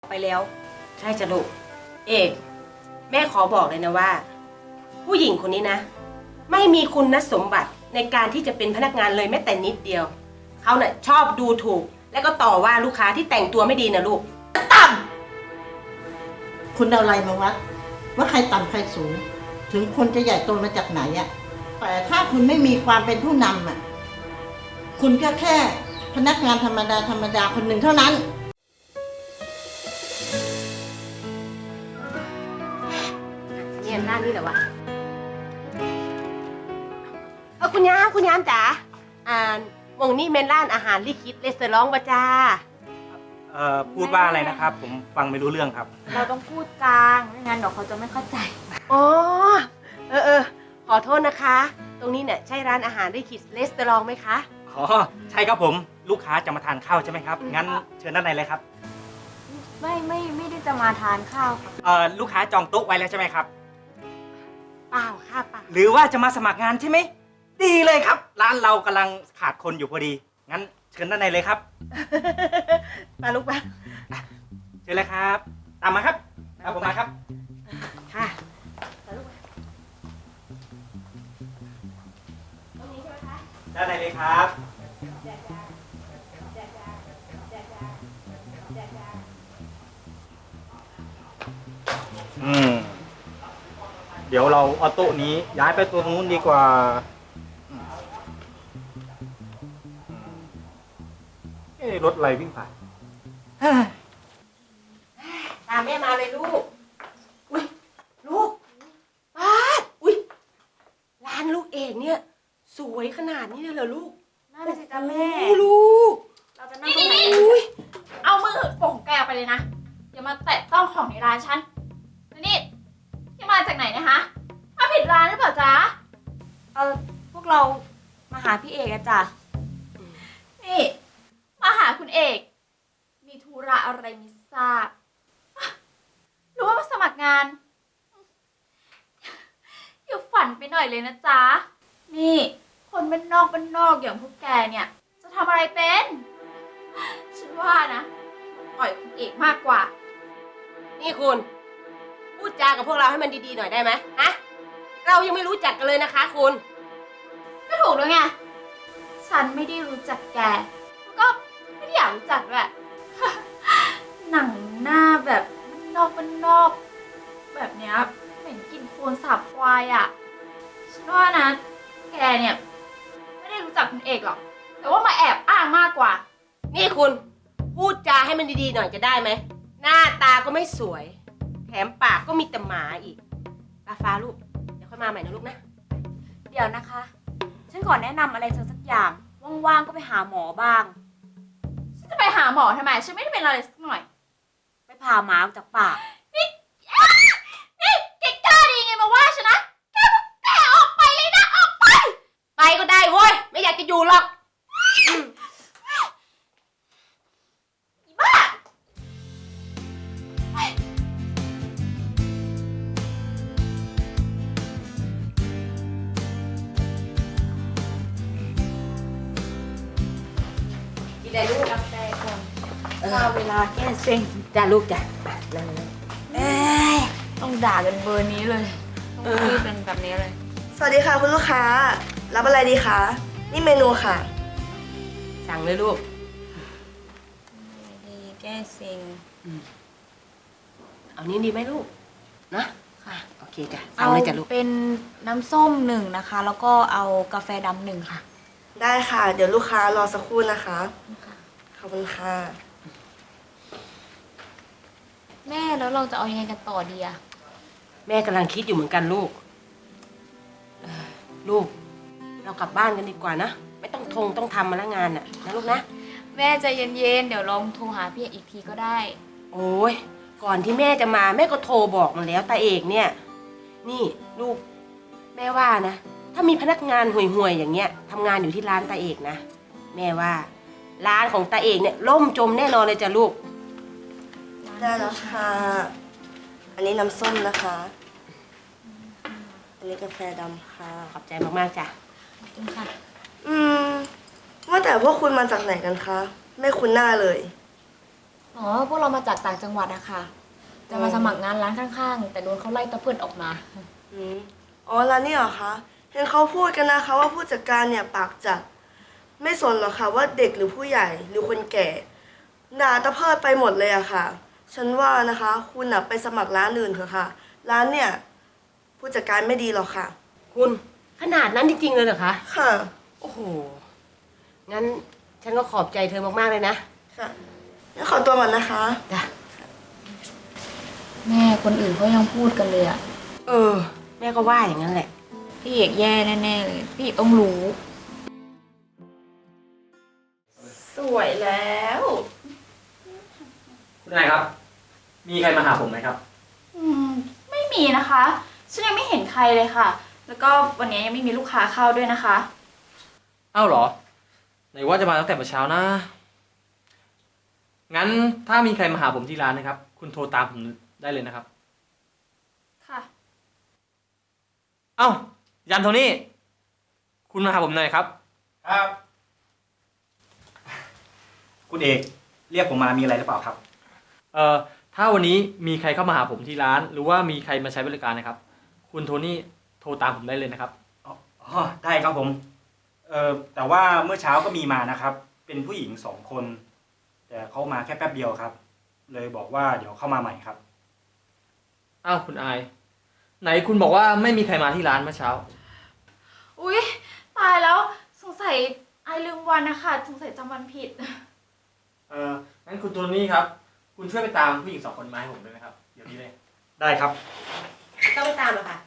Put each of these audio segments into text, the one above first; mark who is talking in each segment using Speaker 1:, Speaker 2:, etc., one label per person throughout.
Speaker 1: ไปแล้วใช่จ้ะลูกเอกแม่ขอบอกเลยนะว่า ผู้หญิงคนนี้นะ ไม่มีคุณสมบัติในการที่จะเป็นพนักงานเลยแม้แต่นิดเดียวเขาเนี่ยชอบดูถูกแล้วก็ต่อว่าลูกค้าที่แต่งตัวไม่ดีนะลูกต่ำ
Speaker 2: คุณเอาอะไรมาวัดว่าใครต่ำใครสูง ถึงคนจะใหญ่โตมาจากไหนอะแต่ถ้าคุณไม่มีความเป็นผู้นำอะคุณก็แค่พนักงานธรรมดาคนหนึ่งเท่านั้น
Speaker 1: เนี่ยร้านนี้เหรอวะคุณย้ำจ๋าวงนี้เมนร้านอาหารลิคิดเรสเตอรองวะจ้า
Speaker 3: พูดว่าอะไรนะครับ ผมฟังไม่รู้เรื่องครับ
Speaker 4: เราต้องพูดกลางไม่งั้นเดี๋ยวเขาจะไม่เข้าใจ
Speaker 1: อ๋อขอโทษนะคะ ตรงนี้เนี่ยใช่ร้านอาหารลิคิดเรสเตอรองไหมคะ
Speaker 3: อ๋อใช่ครับผมลูกค้าจะมาทานข้าวใช่ไหมครับงั้นเชิญด้านในเลยครับ
Speaker 4: ไม่ได้จะมาทานข้าวค่ะ
Speaker 3: ลูกค้าจองโต๊ะไว้แล้วใช่ไหมครับ
Speaker 1: เปล่าค่ะเปล่า
Speaker 3: หรือว่าจะมาสมัครงานใช่ไหมดีเลยครับร้านเรากำลังขาดคนอยู่พอดีงั้นเชิญด้านในเลยครับ
Speaker 1: มาลูกมา
Speaker 3: เชิญเลยครับตามมาครับตามผมมาครับ
Speaker 1: ค่ะ
Speaker 3: ด้านในเลยครับเดี๋ยวเราเอาโต๊ะนี้ย้ายไปตัวนู้นดีกว่ารถอะไรวิ่งผ่าน
Speaker 1: ตามแม่มาเลยลูกอุ้ยลูกป้าอุ้ยร้านลูกเอกเนี่ยสวยขนาดนี้เลยเหรอลูก
Speaker 4: นั่นสิจ้าแม่
Speaker 1: ลูก
Speaker 4: เราจะนั่งตรงไหนเอามือโป่งแกวไปเลยนะอย่ามาแตะต้องของในร้านฉันนี่ที่มาจากไหนนะคะมาผิดร้านหรือเปล่าจ๊ะพวกเรามาหาพี่เอกอะจ้ะนี่มาหาคุณเอกมีธุระอะไรไม่ทราบหรือว่ามาสมัครงานอย่าฝันไปหน่อยเลยนะจ๊ะนี่คนบ้านนอกอย่างพวกแกเนี่ยจะทำอะไรเป็นฉันว่านะปล่อยคุณเอกมากกว่า
Speaker 1: นี่คุณพูดจากับพวกเราให้มันดีๆหน่อยได้ไหมฮะเรายังไม่รู้จักกันเลยนะคะคุณ
Speaker 4: ก็ถูกแล้วไงฉันไม่ได้รู้จักแกแล้วก็ไม่ได้อยากรู้จักด้วย หนังหน้าแบบนอกแบบเนี้ยเหม็นกลิ่นโคลนสาบควายอ่ะฉันว่านะแกเนี่ยไม่ได้รู้จักคุณเอกหรอกแต่ว่ามาแอบอ้างมากกว่า
Speaker 1: นี่คุณพูดจาให้มันดีๆหน่อยจะได้ไหมหน้าตาก็ไม่สวยแถมปากก็มีแต่หมาอีกฟ้าลูกเดี๋ยวค่อยมาใหม่นะลูกนะ
Speaker 4: เดี๋ยวนะคะฉันขอแนะนำอะไรเธอสักอย่างว่างๆก็ไปหาหมอบ้างฉันจะไปหาหมอทำไมฉันไม่ได้เป็นอะไรสักหน่อยไปพาหมาออกจากปากนี่แกกล้าดีไงมาว่าฉันนะแกออกไปเลยนะออกไป
Speaker 1: ไปก็ได้เว้ยไม่อยากจะอยู่หรอก
Speaker 4: บ้า
Speaker 1: ได้ลูก
Speaker 4: กาแฟก่อนเวลาแก้เซ็ง
Speaker 1: จ้าลูกจ้ะ
Speaker 4: ต้องด่ากันเบอร์นี้เลยต้องพูดเป็นแบบนี้เลย
Speaker 5: สวัสดีค่ะคุณลูกค้ารับอะไรดีคะนี่เมนูค่ะ
Speaker 1: สั่งเลยลูก
Speaker 4: ดีแก้เซ็ง
Speaker 1: เอานี้ดีไหมลูกนะ
Speaker 4: ค่ะ
Speaker 1: โอเคจ้ะสั่งเลยจ้ะลูก
Speaker 4: เป็นน้ำส้ม1นะคะแล้วก็เอากาแฟดำ1ค่ะ
Speaker 5: ได้ค่ะเดี๋ยวลูกค้ารอสักครู่นะคะขอบคุณค่ะ
Speaker 4: แม่แล้วเราจะเอายังไงกันต่อดีอะ
Speaker 1: แม่กำลังคิดอยู่เหมือนกันลูกลูกเรากลับบ้านกันดีกว่านะไม่ต้องทำมาละงานน่ะนะลูกนะ
Speaker 4: แม่ใจเย็นๆเดี๋ยวลองโทรหาพี่อีกทีก็ได้
Speaker 1: โอ้ยก่อนที่แม่จะมาแม่ก็โทรบอกมาแล้วตาเอกเนี่ยนี่ลูกแม่ว่านะถ้ามีพนักงานห่วยๆอย่างเงี้ยทำงานอยู่ที่ร้านตาเอกนะแม่ว่าร้านของตาเอกเนี่ยล่มจมแน่นอนเลยจ้ะลูก
Speaker 5: ได้แล้วค่ะอันนี้น้ำส้มนะคะอันนี้กาแฟดำค่ะ
Speaker 1: ขอบใจมากๆจ้ะ
Speaker 4: ขอบคุณค่ะ
Speaker 5: ว่าแต่พวกคุณมาจากไหนกันคะไม่คุ้นหน้าเลย
Speaker 6: อ๋อ พวกเรามาจากต่างจังหวัดอะค่ะ จะมาสมัครงานร้านข้างๆ แต่โดนเขาไล่ตะเพิดออกมา
Speaker 5: อืมอ๋อแล้วนี่เหรอคะ เห็นเขาพูดกันนะคะว่าผู้จัดการเนี่ยปากจัด ไม่สนหรอกค่ะว่าเด็กหรือผู้ใหญ่หรือคนแก่ด่าตะเพิดไปหมดเลยอะค่ะ ฉันว่านะคะ คุณน่ะไปสมัครร้านอื่นเถอะค่ะ ร้านเนี่ยผู้จัดการไม่ดีหรอกค่ะ
Speaker 1: คุณขนาดนั้นจริงๆเลยเหรอคะ
Speaker 5: ค่ะ
Speaker 1: โอ้โห งั้นฉันก็ขอบใจเธอมากๆเลยนะ
Speaker 5: ค่ะงั้นขอตัวก่อนนะคะ
Speaker 1: จ้ะ
Speaker 6: แม่คนอื่นเขายังพูดกันเลยอะ
Speaker 1: แม่ก็ว่าอย่างนั้นแหละ
Speaker 6: พี่เอกแย่แน่ๆเลย พี่เอกต้องรู้
Speaker 1: สวยแล้ว
Speaker 3: คุณนายครับ มีใครมาหาผมไหมครับ
Speaker 4: ไม่มีนะคะ ฉันยังไม่เห็นใครเลยค่ะ แล้วก็วันนี้ยังไม่มีลูกค้าเข้าด้วยนะคะ
Speaker 7: อ้าวเหรอ ไหนว่าจะมาตั้งแต่เมื่อเช้านะ งั้นถ้ามีใครมาหาผมที่ร้านนะครับ คุณโทรตามผมได้เลยนะครับ
Speaker 4: ค่ะ
Speaker 7: เอ้า ยันโทนี่ คุณมาหาผมหน่อยครับ
Speaker 3: ครับ คุณเอกเรียกผมมามีอะไรหรือเปล่าครับ
Speaker 7: ถ้าวันนี้มีใครเข้ามาหาผมที่ร้าน หรือว่ามีใครมาใช้บริการนะครับ คุณโทนี่โทรตามผมได้เลยนะครับ
Speaker 3: อ๋อ ได้ครับผม แต่ว่าเมื่อเช้าก็มีมานะครับ เป็นผู้หญิง2 คน แต่เขามาแค่แป๊บเดียวครับ เลยบอกว่าเดี๋ยวเข้ามาใหม่ครับ
Speaker 7: อ้าวคุณอาย ไหนคุณบอกว่าไม่มีใครมาที่ร้านเมื่อเช้า
Speaker 4: อุ๊ย ตายแล้วสงสัยไอลืมวันนะคะสงสัยจำวันผิด
Speaker 7: งั้นคุณโทนี่ครับ คุณช่วยไปตามผู้หญิง2 คนมาให้ผมด้วยนะครับ เดี๋ยวนี้เลย
Speaker 3: ได้ครับ
Speaker 1: ต้องไปตามหรอคะ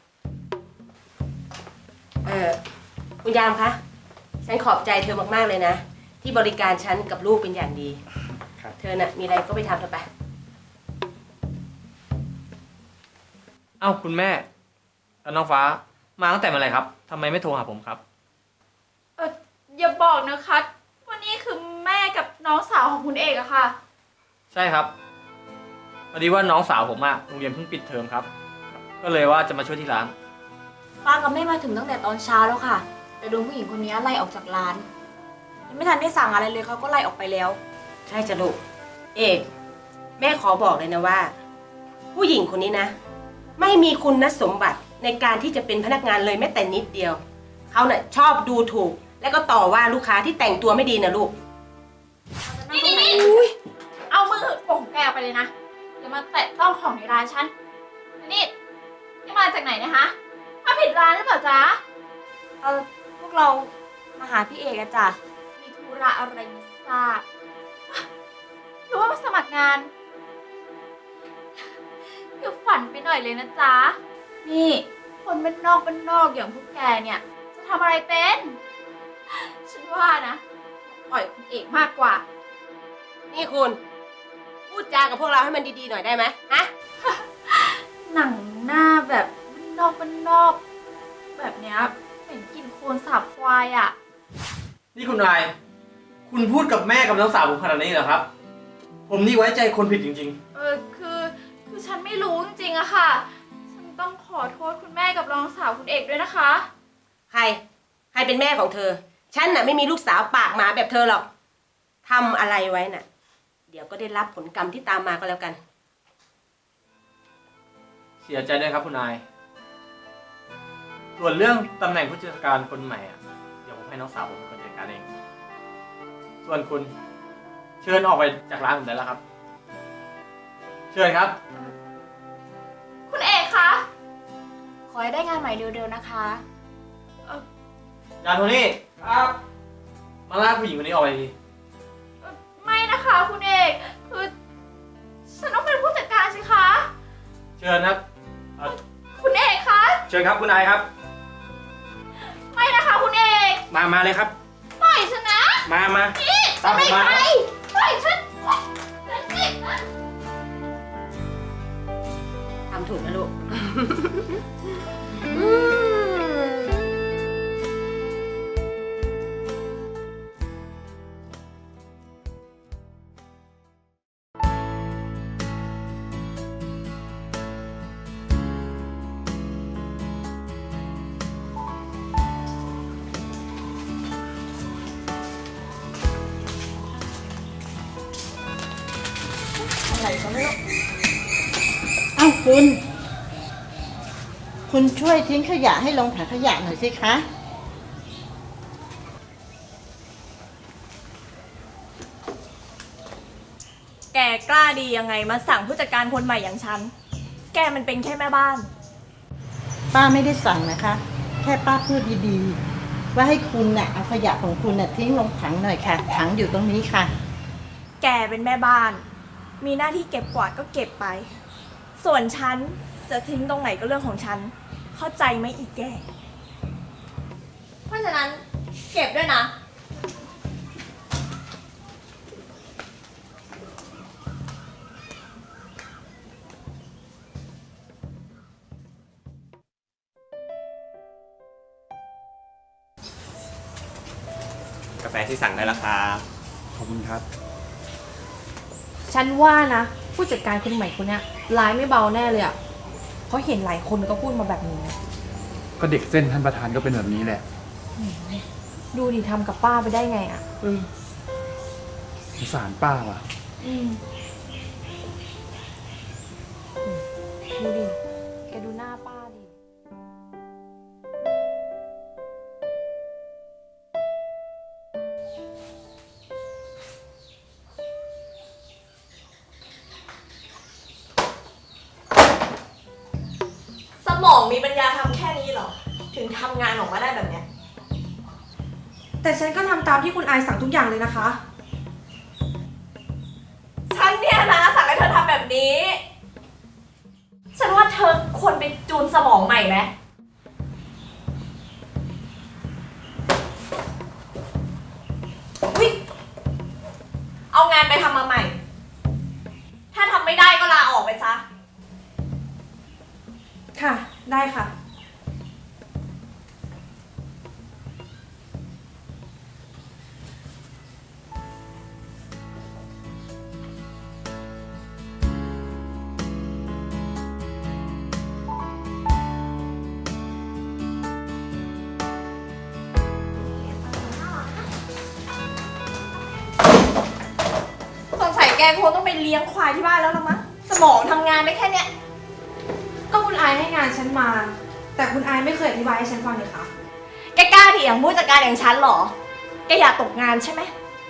Speaker 1: คุณยามคะ ฉันขอบใจเธอมากๆเลยนะ ที่บริการฉันกับลูกเป็นอย่างดี
Speaker 3: ครับ
Speaker 1: เธอน่ะมีอะไรก็ไปทำเถอะไป
Speaker 7: เอ้าคุณแม่แล้วน้องฟ้ามาตั้งแต่เมื่อไหร่ครับทำไมไม่โทรหาผมครับ
Speaker 4: อย่าบอกนะคะวันนี้คือแม่กับน้องสาวของคุณเอกอะค่ะ
Speaker 7: ใช่ครับพอดีว่าน้องสาวผมอะโรงเรียนเพิ่งปิดเทอมครับ ก็เลยว่าจะมาช่วยที่ร้าน
Speaker 6: ป้ากับแม่มาถึงตั้งแต่ตอนเช้าแล้วค่ะ แต่โดนผู้หญิงคนนี้ไล่ออกจากร้าน ยังไม่ทันได้สั่งอะไรเลยเขาก็ไล่ออกไปแล้ว
Speaker 1: ใช่จ้ะลูก เอก แม่ขอบอกเลยนะว่า ผู้หญิงคนนี้นะ ไม่มีคุณสมบัติในการที่จะเป็นพนักงานเลยแม้แต่นิดเดียว เขาเน่ะชอบดูถูก และก็ต่อว่าลูกค้าที่แต่งตัวไม่ดีนะลูก
Speaker 4: นี่เอามือโป่งแกออกไปเลยนะอย่ามาแตะต้องของในร้านฉันนี่ที่มาจากไหนนะคะมาผิดร้านหรือเปล่าจ๊ะ
Speaker 6: พวกเรามาหาพี่เอกอะจ้ะ
Speaker 4: มีธุระอะไรไม่ทราบหรือว่ามาสมัครงานคือฝันไปหน่อยเลยนะจ๊ะ นี่คนบ้านนอกอย่างพวกแกเนี่ย จะทำอะไรเป็น ฉันว่านะปล่อยคุณเอกมากกว่า
Speaker 1: นี่คุณ พูดจากับพวกเราให้มันดีๆหน่อยได้ไหมฮะ
Speaker 4: หนังหน้าแบบบ้านนอก แบบเนี้ยเหม็นกลินโคลนสาบควายอ่ะ
Speaker 7: นี่คุณนาย คุณพูดกับแม่กับน้องสาวผมขนาดนี้เหรอครับ ผมนี่ไว้ใจคนผิดจริง
Speaker 4: คือฉันไม่รู้จริงๆอะค่ะ ฉันต้องขอโทษคุณแม่กับน้องสาวคุณเอกด้วยนะคะ
Speaker 1: ใครเป็นแม่ของเธอ ฉันน่ะไม่มีลูกสาวปากหมาแบบเธอหรอกทำอะไรไว้น่ะ เดี๋ยวก็ได้รับผลกรรมที่ตามมาก็แล้วกัน
Speaker 7: ๆ เสียใจด้วยครับคุณนาย ส่วนเรื่องตำแหน่งผู้จัดการคนใหม่อะเดี๋ยวผมให้น้องสาวผมเป็นคนจัดการเอง ส่วนคุณเชิญออกไปจากร้านผมได้แล้วครับ เชิญครับ
Speaker 4: คุณเอกคะ
Speaker 6: ขอให้ได้งานใหม่เร็วๆนะคะ
Speaker 7: ยานโทนี่ครับ มาลากผู้หญิงคนนี้ออกไปที
Speaker 4: ไม่นะคะคุณเอก คือฉันต้องเป็นผู้จัดการสิคะ
Speaker 7: เชิญครับ
Speaker 4: คุณเอกคะ
Speaker 3: เชิญครับคุณนายครับ
Speaker 4: ไม่นะคะคุณเอก
Speaker 3: มาเลยครับ
Speaker 4: ปล่อยฉันนะ
Speaker 3: มา
Speaker 4: นี่
Speaker 3: ตามผมมา
Speaker 4: ไปปล่อยฉันฉันสิ
Speaker 1: ทำถูกนะลูก
Speaker 2: เอ้าคุณช่วยทิ้งขยะให้ลงถังขยะหน่อยสิคะ
Speaker 6: แกกล้าดียังไงมาสั่งผู้จัดการคนใหม่อย่างฉัน แกมันเป็นแค่แม่บ้าน
Speaker 2: ป้าไม่ได้สั่งนะคะ แค่ป้าพูดดีๆ ว่าให้คุณน่ะเอาขยะของคุณน่ะทิ้งลงถังหน่อยค่ะ ถังอยู่ตรงนี้ค่ะ
Speaker 6: แกเป็นแม่บ้าน มีหน้าที่เก็บกวาดก็เก็บไป ส่วนฉันจะทิ้งตรงไหนก็เรื่องของฉัน เข้าใจไหมอีกแก เพราะฉะนั้นเก็บด้วยนะ
Speaker 8: กาแฟที่สั่งได้แล้วครับ
Speaker 3: ขอบคุณครับ
Speaker 9: ฉันว่านะ ผู้จัดการคนใหม่คนเนี้ยร้ายไม่เบาแน่เลยอ่ะเพราะเห็นหลายคนก็พูดมาแบบนี้
Speaker 10: ก็เด็กเส้นท่านประธานก็เป็นแบบนี้แหละ
Speaker 9: ดูดิทำกับป้าไปได้ไงอ่ะ
Speaker 10: สงสารป้าว่ะ
Speaker 9: ดูดิ แกดูหน้าป้าดิ
Speaker 6: สมองมีปัญญาทำแค่นี้เหรอ ถึงทำงานออกมาได้แบบเนี้ย
Speaker 9: แต่ฉันก็ทำตามที่คุณอายสั่งทุกอย่างเลยนะคะ
Speaker 6: ฉันเนี่ยนะสั่งให้เธอทำแบบนี้ ฉันว่าเธอควรไปจูนสมองใหม่ไหมอุ๊ยเอางานไปทำมาใหม่ ถ้าทำไม่ได้ก็ลาออกไปซะ
Speaker 9: ค่ะ ได้ค่ะ
Speaker 6: สงสัยแกคงต้องไปเลี้ยงควายที่บ้านแล้วละมั้ง สมองทำงานได้แค่เนี้ย
Speaker 9: ก็คุณอายให้งานฉันมา แต่คุณอายไม่เคยอธิบายให้ฉันฟังเลยค่ะ
Speaker 6: แกกล้าเถียงผู้จัดการอย่างฉันเหรอ แกอยากตกงานใช่ไหม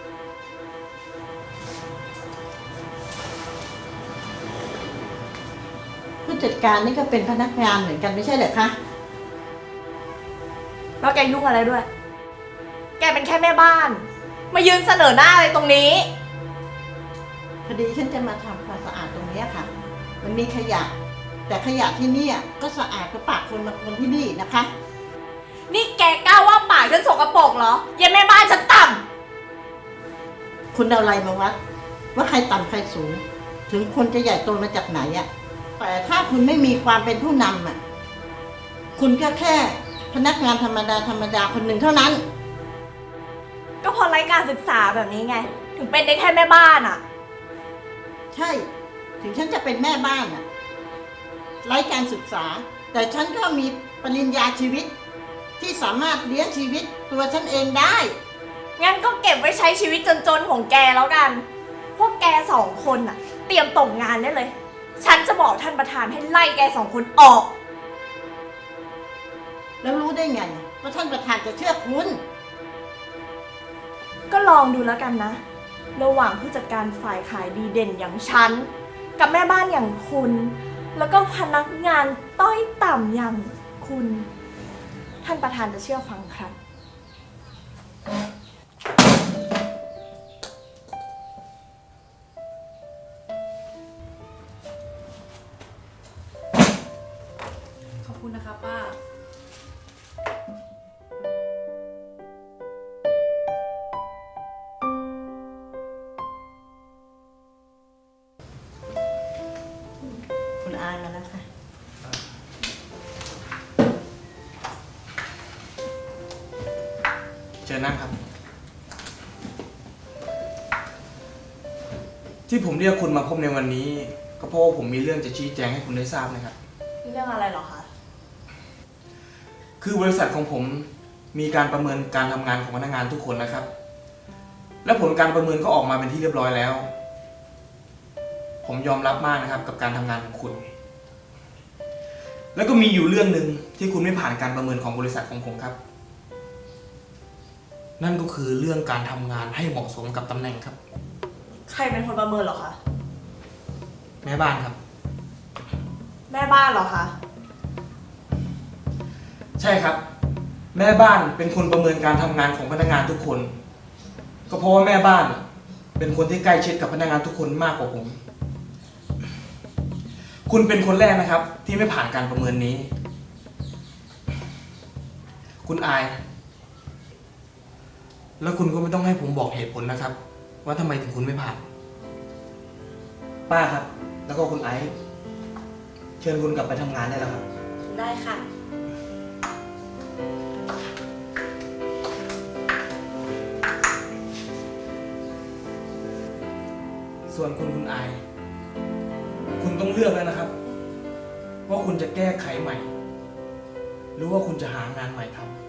Speaker 2: ผู้จัดการนี่ก็เป็นพนักงานเหมือนกันไม่ใช่เหรอคะ
Speaker 6: แล้วแกยุ่งอะไรด้วย แกเป็นแค่แม่บ้าน มายืนเสนอหน้าอะไรตรงนี้
Speaker 2: พอดีฉันจะมาทำความสะอาดตรงนี้ค่ะ มันมีขยะ แต่ขยะที่นี่ก็สะอาดกว่าปากคนมาคนที่นี่นะคะ
Speaker 6: นี่แกกล้าว่าปากฉันสกปรกเหรอเยันแม่บ้านฉันต่
Speaker 2: คุณเอาอะไรมาวัด ว่าใครต่ำใครสูง ถึงคนจะใหญ่โตมาจากไหนแต่ถ้าคุณไม่มีความเป็นผู้นำคุณก็แค่พนักงานธรรมดาคนหนึ่งเท่านั้น
Speaker 6: ำก็เพอไร้การศึกษาแบบนี้ไง ถึงเป็นได้แค่แม่บ้านอ่ะ
Speaker 2: ใช่ ถึงฉันจะเป็นแม่บ้านไร้การศึกษา แต่ฉันก็มีปริญญาชีวิต ที่สามารถเลี้ยงชีวิตตัวฉันเองได้
Speaker 6: งั้นก็เก็บไว้ใช้ชีวิตจนๆของแกแล้วกัน พวกแกสองคนน่ะ เตรียมตกงานได้เลย ฉันจะบอกท่านประธานให้ไล่แกสองคนออก
Speaker 2: แล้วรู้ได้ไงว่าท่านประธานจะเชื่อคุณ
Speaker 6: ก็ลองดูแล้วกันนะ ระหว่างผู้จัดการฝ่ายขายดีเด่นอย่างฉัน กับแม่บ้านอย่างคุณ แล้วก็พนักงานต้อยต่ำอย่างคุณ ท่านประธานจะเชื่อฟังใคร
Speaker 9: ขอบคุณนะคะป้า
Speaker 2: คุณอายมาแล้วค่ะ
Speaker 8: เชิญนั่งครับ ที่ผมเรียกคุณมาพบในวันนี้ ก็เพราะว่าผมมีเรื่องจะชี้แจงให้คุณได้ทราบนะครับ
Speaker 6: เรื่องอะไรเหรอคะ
Speaker 8: คือบริษัทของผมมีการประเมินการทำงานของพนักงานทุกคนนะครับ และผลการประเมินก็ออกมาเป็นที่เรียบร้อยแล้วผมยอมรับมากนะครับ กับการทำงานของคุณ แล้วก็มีอยู่เรื่องหนึ่งที่คุณไม่ผ่านการประเมินของบริษัทของผมครับ นั่นก็คือเรื่องการทำงานให้เหมาะสมกับตำแหน่งครับ
Speaker 6: ใครเป็นคนประเมินเหรอคะ
Speaker 8: แม่บ้านครับ
Speaker 6: แม่บ้านเหรอคะ
Speaker 8: ใช่ครับ แม่บ้านเป็นคนประเมินการทำงานของพนักงานทุกคน ก็เพราะว่าแม่บ้านเป็นคนที่ใกล้ชิดกับพนักงานทุกคนมากกว่าผม คุณเป็นคนแรกนะครับ ที่ไม่ผ่านการประเมินนี้ คุณอาย แล้วคุณก็ไม่ต้องให้ผมบอกเหตุผลนะครับ ว่าทำไมถึงคุณไม่ผ่าน ป้าครับ แล้วก็คุณไอซ์เชิญคุณกลับไปทำงานได้แล้วครับ
Speaker 1: ได้ค่ะ
Speaker 8: ส่วนคุณอาย คุณต้องเลือกแล้วนะครับ ว่าคุณจะแก้ไขใหม่ หรือว่าคุณจะหางานใหม่ทำ